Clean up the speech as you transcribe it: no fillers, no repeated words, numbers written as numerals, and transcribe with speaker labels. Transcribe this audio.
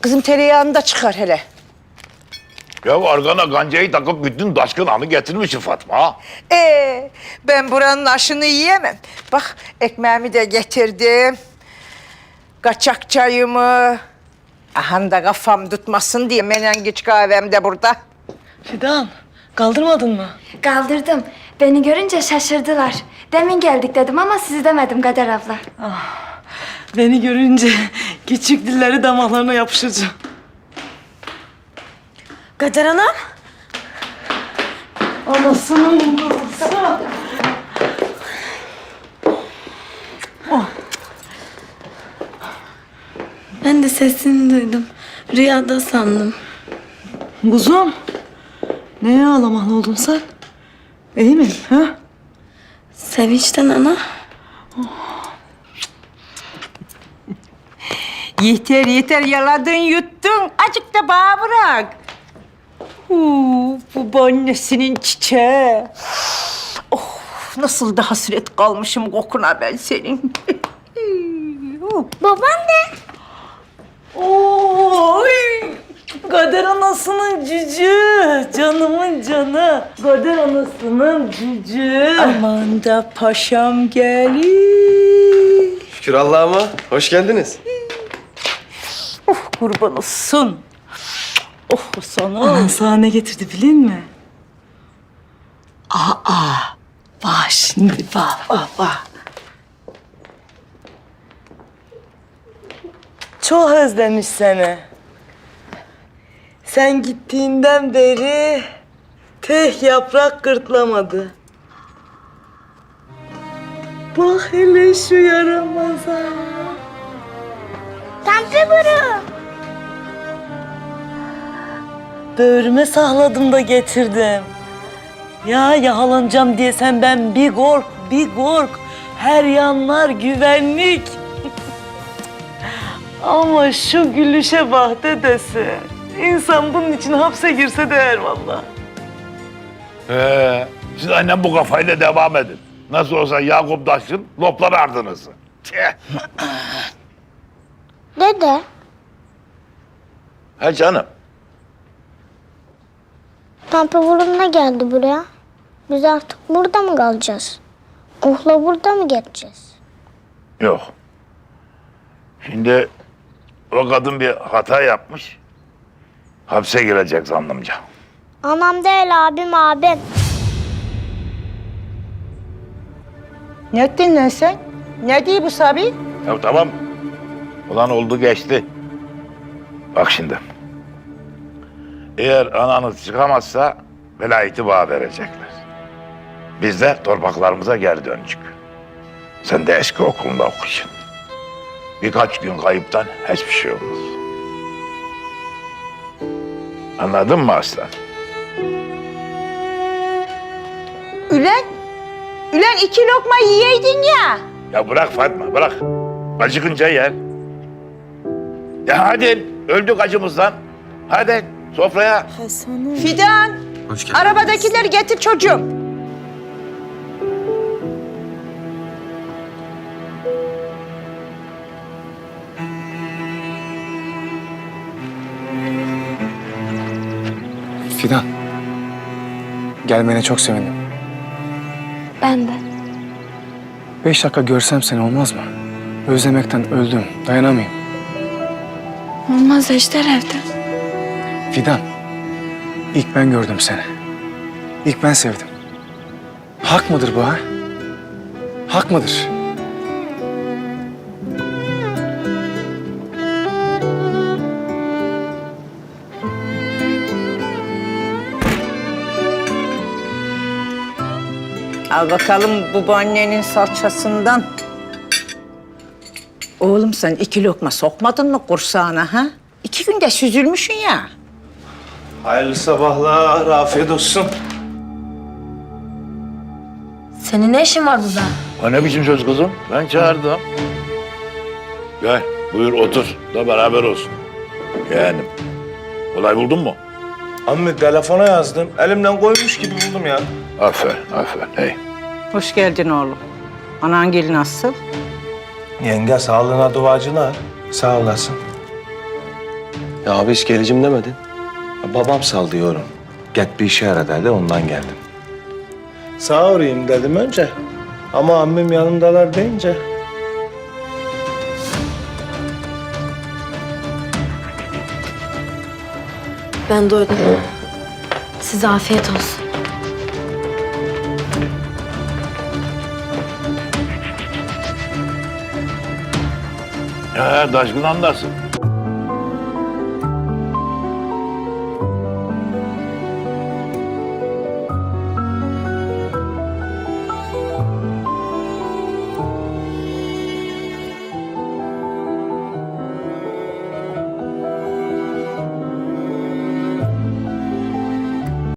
Speaker 1: Kızım tereyağını da çıkar hele.
Speaker 2: Ya arkana gancayı takıp bütün taşkın anı getirmişsin Fatma. Ha?
Speaker 1: Ben buranın aşını yiyemem. Bak ekmeğimi de getirdim. Kaçak çayımı. Aha da kafam tutmasın diye menengiç kahvem de burada.
Speaker 3: Fidan, kaldırmadın mı?
Speaker 4: Kaldırdım. Beni görünce şaşırdılar. Demin geldik dedim ama sizi demedim Kader abla.
Speaker 3: Beni görünce küçük dilleri damaklarına yapışıcı. Kader Hanım. Anasının babası.
Speaker 5: Ben de sesini duydum. Rüyada sandım.
Speaker 3: Kuzum, neye ağlamalı oldun sen? İyi mi? Ha?
Speaker 5: Sevinçten ana.
Speaker 1: Yeter yeter yaladın yuttun. Azıcık da bana bırak. Bu annesinin çiçeği. Oh, nasıl da hasret kalmışım kokuna ben senin.
Speaker 4: Babam de.
Speaker 3: Oy! Kader anasının cücü, canımın canı. Kader anasının cücü.
Speaker 1: Aman da paşam gelir.
Speaker 6: Şükür Allah'ıma. Hoş geldiniz.
Speaker 1: Oh kurban olsun. Oh sana.
Speaker 3: Anan sana ne getirdi bilin mi? Bak şimdi bak. Çok özlemiş seni. Sen gittiğinden beri tek yaprak gırtlamadı. Bak hele şu yaramaza.
Speaker 4: Tante Buru.
Speaker 3: Böğrüme sakladım da getirdim. Ya yakalanacağım diye sen ben bir kork. Her yanlar güvenlik. Ama şu gülüşe bak dedesi. İnsan bunun için hapse girse değer vallahi.
Speaker 2: Siz aynen bu kafayla devam edin. Nasıl olsa Yakup Taş'ın lopları ardınızı.
Speaker 4: Dede.
Speaker 2: Ha canım.
Speaker 4: Tante Buru ne geldi buraya? Biz artık burada mı kalacağız? Uhla burada mı geçeceğiz?
Speaker 2: Yok. Şimdi o kadın bir hata yapmış. Hapse girecek zannımca.
Speaker 4: Anam değil abim.
Speaker 1: Ne ettin lan sen? Ne diyor bu Sabi?
Speaker 2: Ya tamam. Ulan oldu geçti. Bak şimdi. Eğer ananız çıkamazsa velayeti bana verecekler. Biz de torpaklarımıza geri dönecek. Sen de eski okulunda okuyun. Birkaç gün kayıptan hiçbir şey olmaz. Anladın mı aslan?
Speaker 1: Ülen 2 lokma yiyeydin ya.
Speaker 2: Ya bırak Fatma, bırak. Acıkınca yer. Ya hadi, öldük acımızdan. Hadi sofraya.
Speaker 1: Fidan,
Speaker 6: Hoş geldiniz.
Speaker 1: arabadakileri getir çocuğum.
Speaker 7: Fidan. Gelmene çok sevindim.
Speaker 5: Ben de.
Speaker 7: 5 dakika görsem seni olmaz mı? Özlemekten öldüm. Dayanamayayım.
Speaker 5: Olmaz Ejder evde.
Speaker 7: Fidan. İlk ben gördüm seni. İlk ben sevdim. Hak mıdır bu ha? Hak mıdır?
Speaker 1: Al bakalım babaannenin salçasından. Oğlum sen 2 lokma sokmadın mı kursağına ha? 2 günde süzülmüşsün ya.
Speaker 6: Hayırlı sabahlar, afiyet olsun.
Speaker 5: Senin ne işin var burada?
Speaker 2: O ne biçim söz kızım? Ben çağırdım. Gel, buyur otur da beraber olsun. Yeğenim. Olay buldun mu?
Speaker 6: Ammi telefona yazdım. Elimden koymuş gibi buldum ya.
Speaker 2: Aferin. Hey.
Speaker 1: Hoş geldin oğlum. Anan gelin nasıl?
Speaker 6: Yenge sağlığına duacılar. Sağ olasın. Ya abi hiç geleceğim demedin. Ya babam sal diyorum. Get bir işe yara dedi, ondan geldim. Sağ uğrayayım dedim önce. Ama ammim yanımdalar deyince.
Speaker 5: Ben doydum. Size afiyet olsun.
Speaker 2: Taşkın andasın.